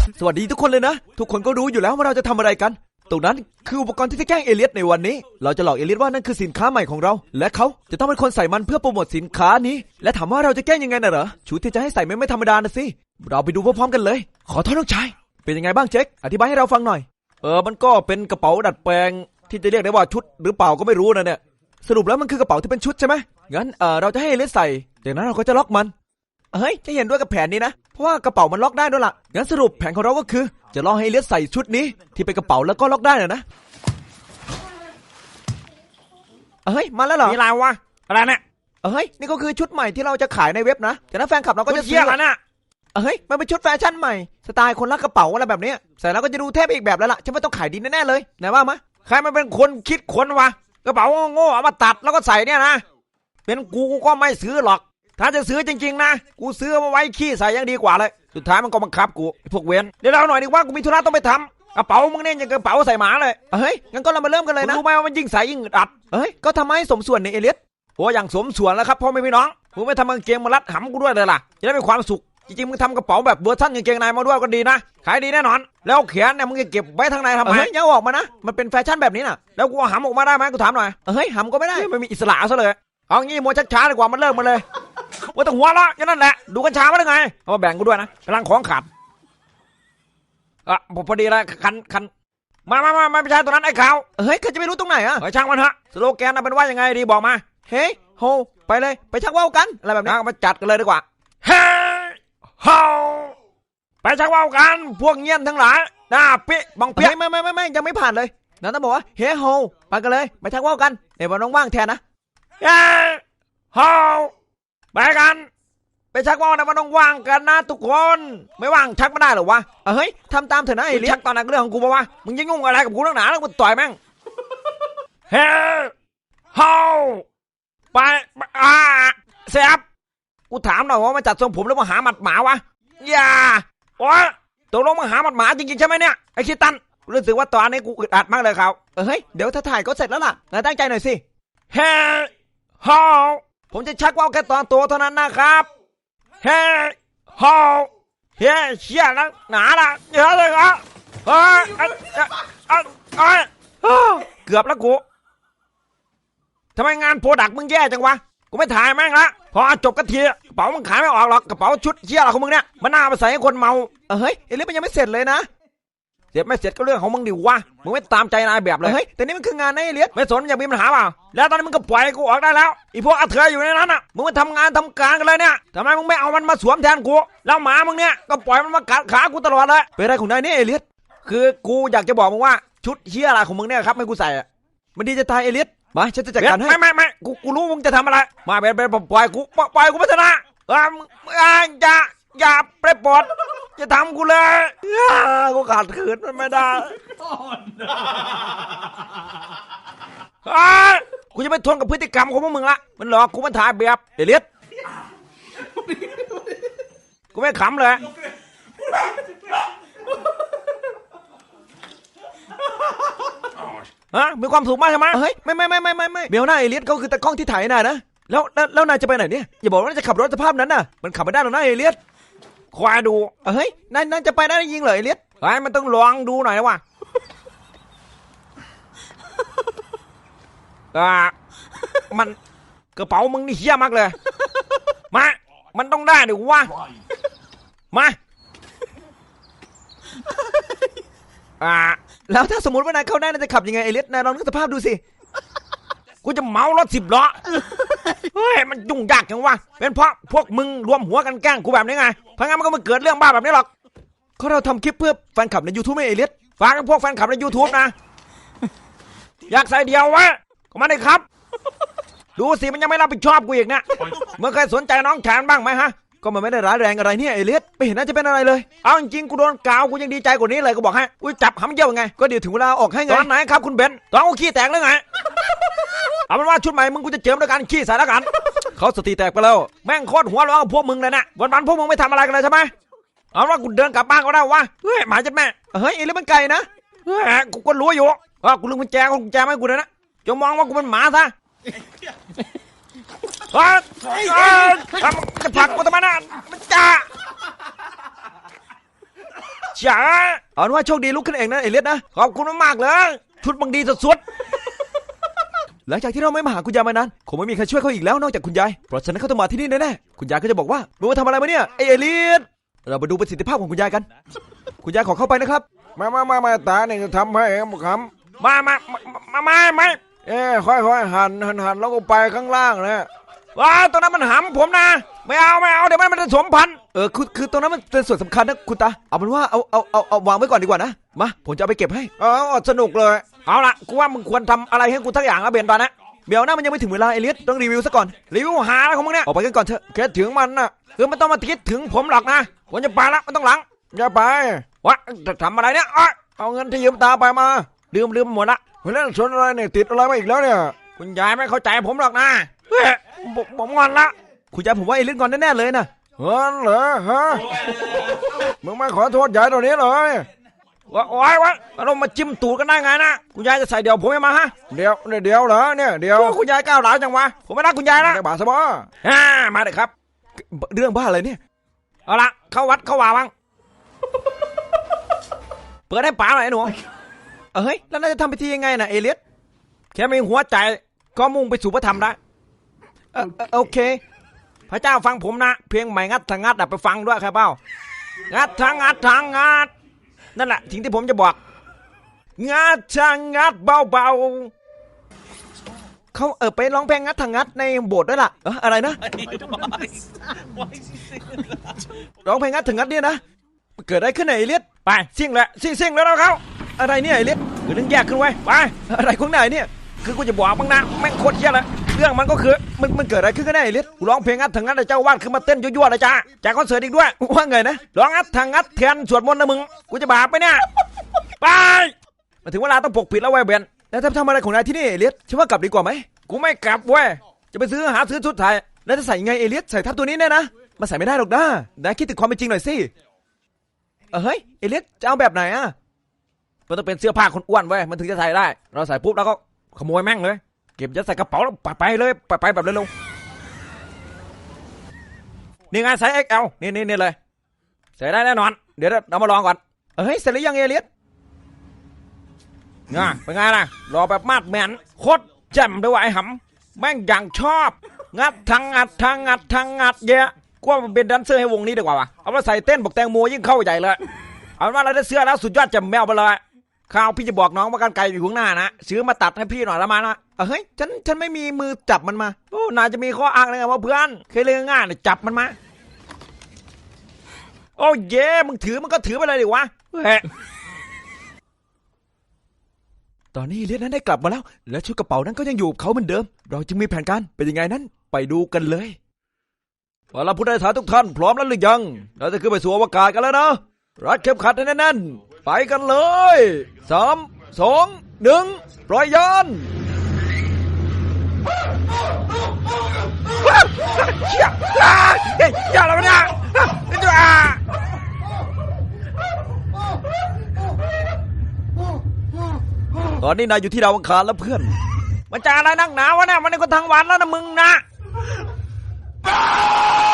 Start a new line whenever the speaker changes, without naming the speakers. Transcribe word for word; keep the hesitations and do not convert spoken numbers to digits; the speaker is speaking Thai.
สวัสดีทุกคนเลยนะทุกคนก็รู้อยู่แล้วว่าเราจะทำอะไรกันตรงนั้นคืออุปกรณ์ที่จะแกล้งเอเลียสในวันนี้เราจะหลอกเอเลียสว่านั่นคือสินค้าใหม่ของเราและเขาจะต้องเป็นคนใส่มันเพื่อโปรโมทสินค้านี้และถามว่าเราจะแกล้งยังไงน่ะเหรอชุดที่จะให้ใส่ไม่ไม่ธรรมดานะสิเราไปดูพร้อมๆกันเลยขอโทษน้องชายเป็นยังไงบ้างเจ๊คอธิบายให้เราฟังหน่อยเออมันก็เป็นกระเป๋าดัดแปลงที่จะเรียกได้ว่าชุดหรือเปล่าก็ไม่รู้นะเนี่ยสรุปแล้วมันคือกระเป๋าที่เป็นชุดใช่ไหมงั้นเออเราจะให้เอเลียสใส่จากนั้นเราก็จะล็อกมันเฮ้ยจะเห็นด้วยกับแผนนี้นะเพราะว่ากระเป๋ามันล็อกได้ด้วยล่ะงั้นสรุปแผนของเราก็คือจะล่อให้เอเลียสใส่ชุดนี้ที่เป็นกระเป๋าแล้วก็ล็อกได้น่ะนะเฮ้ยมาแล้วเหรอ
มีอะไรวะอะไรเนี่ย
เฮ้ยนี่ก็คือชุดใหม่ที่เราจะขายในเว็บนะจากนั้นแฟนคลับเราก็จะซื้อ
นะ
เฮ้ยมันเป็นชุดแฟชั่นใหม่สไตล์คนรักกระเป๋าอะไรแบบนี้ใส่แล้วก็จะดูเทพอีกแบบแล้วล่ะฉันว่าต้องขายดีแน่ๆเลยไหนว่ามะ
ใครมันเป็นคนคิดคนวะกระเป๋าโง่เอามาตัดแล้วก็ใส่เนี่ยนะเป็นกูกูก็ไม่ซื้อหรอกถ้าจะซื้อจริงๆนะกูซื้อมาไว้ขี้ใส่ยังดีกว่าเลยสุดท้ายมันก็บังคับกูพวกเวนเดี๋ยวเราหน่อยดีว่ากูมีธุระต้องไปทำกระเป๋ามึงเนี่ยยังกระเป๋าใส่หมาเลย
เฮ้ยงั้นก็เรามาเริ่มกันเลยนะ
รู้ไหมว่ามันยิ่งใส่ยิ่งอึดอัด
เฮ้ยก็ทำให้สมส่วนในเอเลียส
โอ้อย่างสมส่วนแล้วครับพ่อแม่พี่น้องมึงไม่ทำกางเกงมารัดหำกูด้วยเลยล่ะจะได้มีความสุขจริงๆมึงทำกระเป๋าแบบเวอร์ชันกางเกงในมาด้วยก็ดีนะขายดีแน่นอนแล้วแขนเนี่ยมึงจะเก็บไว้ทางในทำไม
อย่าออกมานะมันเป็นแฟชั่นแบบนี้น่ะ
แล้วกูหำออกมาได้ไหมกูถามหน่อย
เฮ้ยหำก็ไม่ได้
ไม่มีอิสระซะเลยเอางี้มัวช้าๆดีกว่ามันเลิกมาเลยว่าแต่หัวละแค่นั้นแหละดูกัญชามาได้ไงเอามาแบ่งกูด้วยนะกำลังของขาดอ่ะพอดีเลยคันคันมามามาไม่ใช่ตัวนั้นไอ้ขาว
เฮ้ยเขาจะไม่รู้ตรงไหนอ่ะ
ไอ้ช่างมันฮะสโลแกนเป็นว่ายังไงดีบอกมา
เฮ้ยโฮไปเลยไปชักว่าวกันอะไรแบบนี้
มาจัดกันเลยดีกว่าเฮ้ยโฮไปชักว่าวกันพวกเงี้ยนทั้งหลายหน้าปิ๊บังเปี้ย
ไม่ไม่ไม่ไม่ยังไม่ผ่านเลยนั่นต้องบอกว่าเฮ้ยโฮไปกันเลยไปชักว่าวกันเดี๋ยวน้องว่างแทนนะ
เฮ้ยโฮไปกันไปชักว่าวนะมันต้องว่างกันนะทุกคนไม่ว่างชักไม่ได้หรอวะ
เฮ้ยทำตามเถอะนะไอ้เลี้ย
ชักตอนนั้นเรื่องของกูปะวะมึงยังยุ่งอะไรกับกูนักหนาแล้วกูต่อยแม่งเฮ้ยโฮไปอ่าเสียบกูถามหน่อยว่ามาจัดทรงผมแล้วมาหาหมัดหมาวะอย่าโอ้ยตกลงมาหาหมัดหมาจริงๆใช่ไหมเนี่ยไอ้คิดตันรู้สึกว่าตอนนี้กูอึดอัดมากเลยครับ
เฮ้ยเดี๋ยวถ้าถ่ายก็เสร็จแล้วล่ะนายตั้งใจหน่อยสิ
เฮ้ยโฮผมจะชักว่าวแค่ตอนตัวเท่านั้นนะครับเฮ้ยโฮเฮ้ยเชี่ยนักหนาละเยอะเลยครับเฮ้ยเอ้ยเกือบแล้วกูทำไมงานโปรดักต์มึงแย่จังวะกูไม่ถ่ายแม่งละพอจบกันทีกระเป๋ามึงขายไม่ออกหรอกกระเป๋าชุดเชี่ยอะไรของมึงเนี่ยมันน่ามาใส่ให้คนเมา
เฮ้ยเอเลียสมันยังไม่เสร็จเลยนะ
เสร็จไม่เสร็จก็เรื่องของมึงดิวะมึงไม่ตามใจนายแบบเลย
เฮ้ยแต่นี่มันคืองานนะเอเลียส
ไม่สนยังมีปัญหาเปล่าแล้วตอนนี้มึงก็ปล่อยกูออกได้แล้วอีพวกอัเถื่ออยู่ในนั้นอ่ะมึงมาทำงานทำการกันเลยเนี่ยทำไมมึงไม่เอามันมาสวมแทนกูแล้วหมามึงเนี่ยก็ปล่อยมันมากัดขากูตลอดเลย
เป็นอะไรของนายเนี่ยเอเลียส
คือกูอยากจะบอกมึงว่าชุดเชี่ยอะไรของมึงเนี่ยครับให้กูใส่อ่ะ
มันดีจะตายเอเลียสมาฉันจะจัดการให้
ไม่ไม่ไม่กูกูรู้มึงจะทำอะไรมาเป็นเป็นปล่อยกูปล่อยกูไม่ชนะอ่าอย่าอย่าไปปลดจะทำกูเลยกูขาดขืนมันไม่ได้กูจะไม่ทนกับพฤติกรรมของพวกมึงละมันหลอกกูมันถ่ายแบบเอเลียสกูไม่ขำเลยฮะมีความสุขมากใช่ไหม
เฮ้ยไม่ไม่ไม่ไม่ไม่ไม่เบลหน้าเอเลียสเขาคือตะกล้องที่ถ่ายน่ะนะแล้วแล้วแล้วนายจะไปไหนเนี่ยอย่าบอกว่าจะขับรถสภาพนั้นน่ะมันขับไม่ได้หรอกนะเอเลียส
คอยดู
เฮ้ยนายนายจะไปได้ยิงเหรอเอเลียส
ไอ้มันต้องลองดูหน่อยนะว่ะอ่ามันกระเป๋ามึงนี่เหี้ยมากเลยมามันต้องได้ดิวะมาอ่า
แล้วถ้าสมมติว่านายเข้าได้นายจะขับยังไงเอเลียสนายลองนึกสภาพดูสิ
กูจะเมารถสิบล้อเฮ้ยมันยุ่งยากจังวะเป็นเพราะพวกมึงรวมหัวกันแกล้งกูแบบนี้ไงเพราะงั้นมันก็ไม่เกิดเรื่องบ้าแบบนี้หรอก
เขาเราทำคลิปเพื่อแฟนคลับใน YouTube ไม่เอเลียส
ฝากพวกแฟนคลับใน YouTube นะอยากใส่เดียววะก็มาได้ครับดูสิมันยังไม่รับผิดชอบกูอีกเนี่ยมึงเคยสนใจน้องแขนบ้างไหมฮะ
ก็มันไม่ได้ร้ายแรงอะไรเนี่ยเอเลียสไม่เห็นน่าจะเป็นอะไรเลย
เอาจริงๆกูโดนกาวกูยังดีใจกว่านี้เลยกูบอกให้กูจับหำเยี่ยวไง
ก็เดี๋ยวถึงเวลาออกให้ไง
ตอนไหนครับคุณเบนตอนกูขี้แตกแล้วไงเอาเป็นว่าชุดใหม่มึงกูจะเจิมด้วยการขี้ใส่แล้วกัน
เขาสติแตกไปแล้ว
แม่งโคตรหัวร้อนกับพวกมึงเลยนะวันๆพวกมึงไม่ทำอะไรกันเลยใช่ไหมเอาว่ากูเดินกลับบ้านก็ได้วะเฮ้ยหมาจัดแม่
เฮ้ยเอเลียสมันไกลนะ
เฮ้ยกูก็รู้อยู่ว่ากูลืมกุญแจกูกุญแจไม่กูเลยนะจะมองว่ากูเป็นหมาซะเฮ้ยจะผลักกูทำไมนะมันจ้าจ๋า
เอาเป็นว่าโชคดีลุกขึ้นเองนะเอเลียสนะ
ขอบคุณมากๆเลยชุดบังดีสุด
หลังจากที่เราไม่มาหาคุณยายมานานคงไม่มีใครช่วยเขาอีกแล้วนอกจากคุณยายเพราะฉะนั้นเขาต้องมาที่นี่แน่ๆคุณยายก็จะบอกว่ามึงมาทำอะไรมาเนี่ยไอเอเลียสเรามาดูประสิทธิภาพของคุณยายกัน คุณยายขอเข้าไปนะครับ
ๆมามามามาตาเนี่ยจะทำให้บุคำมามามามามาเอ้ค่อยๆหันหันหันแล้วก็ไปข้างล่างนะว้าตรงนั้นมันหำผมนะไม่เอาไม่เอาเดี๋ยวมันมันจะสมพันธุ์
เออคือคือตรงนั้นมันเป็นส่วนสำคัญนะคุณตาเอาเป็นว่าเอาเอาเอาเอาวางไว้ก่อนดีกว่านะมาผมจะเอาไปเก็บให้
เออสนุกเลยเอาละกูว่ามึงควรทำอะไรให้กูทักอย่างละเบนตอนนะ
เดี๋ยวนะมันยังไม่ถึงเวลาเอเลียสต้องรีวิวซะก่อน
รีวิวหาอะไรของมึงเนี่ย
ออกไปกันก่อนเถอะ
คิดถึงมันนะคือมันต้องมาคิดถึงผมหรอกนะผมจะไปละมันต้องหลังอย่าไปวะจะทำอะไรเนี่ยอ้อยเอาเงินที่ยืมตาไปมาลืมลืมหมดละเรื่องสนอะไรเนี่ยติดอะไรมาอีกแล้วเนี่ยคุณยายไม่เข้าใจผมหรอกนะเฮ้ยผมผมงอนละ
คุณยายผมว่าเอเลียสก่อนแน่ๆเลยนะ
เงินเหรอฮะมึงไม่ขอโทษยายตรงนี้เลยว่าโอ้ยวะเรามาจิ้มตูดกันได้ไงนะคุณยายจะใส่เดี่ยวผมไม่มาฮะเดี๋ยวเดี๋ยวเหรอเนี่ยเดี๋ยวคุณยายก้าวหลาวจังวะผมไม่รักคุณยายนะบาสบอฮ่ามาเลยครับ
เรื่องบ้าอะไรเนี่ย
เอาละเข้าวัดเข้าว่าบ้างเปิดให้ป๋าหน่อยหนู
เออเฮ้ยแล้วน่าจะทำพิธียังไงนะเอเลียส
แค่มีหัวใจก็มุ่งไปสู่พระธรรมได้
เออโอเค
พระเจ้าฟังผมนะเพียงใหม่งัดทางงัดไปฟังด้วยครับเป้างัดทางงัดทางงัดนั่นแหละสิ่งที่ผมจะบอกงัดทางงัดเบาๆ
เขาเออไปร้องเพลงงัดทางงัดในโบสถ์ด้วยล่ะเอออะไรนะร้องเพลงงัดทางงัดเนี่ยนะเกิดอะไรขึ้นไหนเอเลียส
ไปซิ่งเลยซิ่งซิ่งแล้วเราเขา
อะไรเนี่ยเอเลียส
คือเรื่องแยกขึ้นไว้ไป
อะไรของนายเนี่ย
คือกูจะบอกบ้างนะแม่งโคตรเหี้ยเลยเรื่องมันก็คือ
มันมันเกิดอะไรขึ้นกันแน่เอเลียส
กูร้องเพลงงัดทางงัดแต่เจ้าวาดขึ้นมาเต้นยั่วๆเลยจ้าจากคอนเสิร์ตอีกด้วย
ว่าไงนะ
ร้องงัดทางงัดแทนสวดมนต์นะมึงกูจะบาปไปเนี่ยไปมาถึงเวลาต้องปกปิดแล้วเว้ยเบน
แล้วทำทำอะไรของนายที่นี่เอเลียสฉันว่ากลับดีกว่าไหม
กูไม่กลับเว้ยจะไปซื้อหาซื้อชุดไทย
แล้วจะใส่ยังไงเอเลียสใส่ทับตัวนี้แน่นะมาใส่ไม่ได้หรอกนะนายคิดถึงความเป็นจริงหน่อยสิเออเฮ้ยเอเลียสจะเอาแบบไหนอ่ะ
มันต้องเป็นเสื้อผ้าคนอ้วนเว้ยมันถึงจะใส่ได้เราใส่ปุ๊บแล้วก็ขโมยแม่งเลยเก็บยัดใส่กระเป๋าแล้วไปไปเลยไปไปแบบเร็วๆนี่ไงไซส์ เอ็กซ์ แอล นี่นี่นี่เลยใส่ได้แน่นอนเดี๋ยวเรามาลองก่อน
เออเฮ้ยเสร็จหรือยังเอเลียส
ง่ะเป็นไงล่ะรอแบบมาดแมนโคตรแจ่มด้วยไอ้หำแม่งอย่างชอบงัดทางงัดทางงัดทางงัดเยอะกว่ามันเป็นแดนเซอร์ให้วงนี้ดีกว่าวะเอามาใส่เต้นบอกแตงโมยิ่งเข้าใหญ่เลยเอาว่าเราได้เสื้อแล้วสุดยอดแจ่มแมวไปเลยข้าวพี่จะบอกน้องว่ากันไกลอยู่ข้างหน้านะซื้อมาตัดให้พี่หน่อยละมานะ
เออเฮ้ยฉันฉันไม่มีมือจับมันมา
โอ้นายจะมีข้ออ้างอะไรกันวะเพื่อนเคยเรื่องง่ายๆเนี่ยจับมันมาโอ้เย่มึงถือมันก็ถือไปเลยดิวะเฮ้ย
ตอนนี้เอเลียสนั้นได้กลับมาแล้วและชุดกระเป๋านั้นก็ยังอยู่กับเขาเหมือนเดิมเราจึงมีแผนการเป็นยังไงนั้นไปดูกันเลยเอาล่ะผู้โดยสารทุกท่านพร้อมแล้วหรือยังเราจะขึ้นไปสู่อวกาศกันแล้วนะรัดเข็มขัดให้แน่นๆไปกันเลยสามสองหนึ่งปล่อยยาน
เชี่ยเฮ้ยอย่าแล้วนะจ้า
ตอนนี้นายอยู่ที่ดาวอังคารแล้วเพื่อน
มันจะอะไรนักหนาวะเนี่ยมันในคนทางวันแล้วนะมึงนะ